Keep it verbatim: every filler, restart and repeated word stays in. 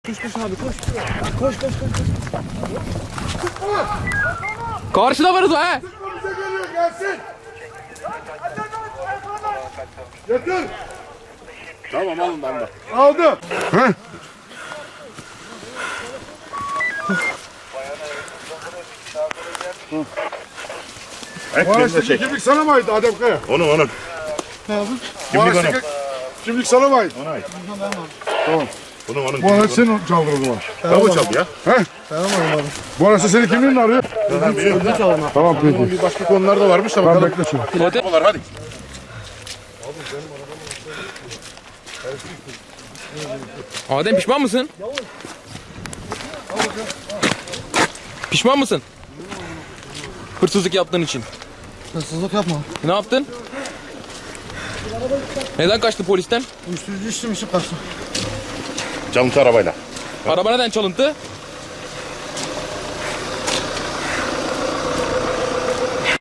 Koş koş abi koş. Koş koş koş. Karşıda varız ha. Bize geliyor gelsin. Getir. Tamam alın ben de. Aldım. Heh. Evet, Bu beni de araçtaki çek. kimlik sana mı ait Adem Kaya? Onu onu. Ne yapın? Bu Kimlik araçtaki onun. kimlik sana mı ait? Ona ait. Tamam. Bunun onun. Bu araç senin çaldın o zaman. Tabu çaldı ya. Heh. Tamam abi. Bu araçta senin kimliğin mi arıyor? Ben biliyorum. Tamam peki. Bir başka konular da varmış da Tamam bakalım. bekle şimdi. Pilote. Hadi. Adem pişman mısın? Pişman mısın? Hırsızlık yaptığın için. Hırsızlık yapma. Ne yaptın? Neden kaçtı polisten? Uyuşturucu içtim içip kaçtım. Çalıntı arabayla. Araba neden çalıntı?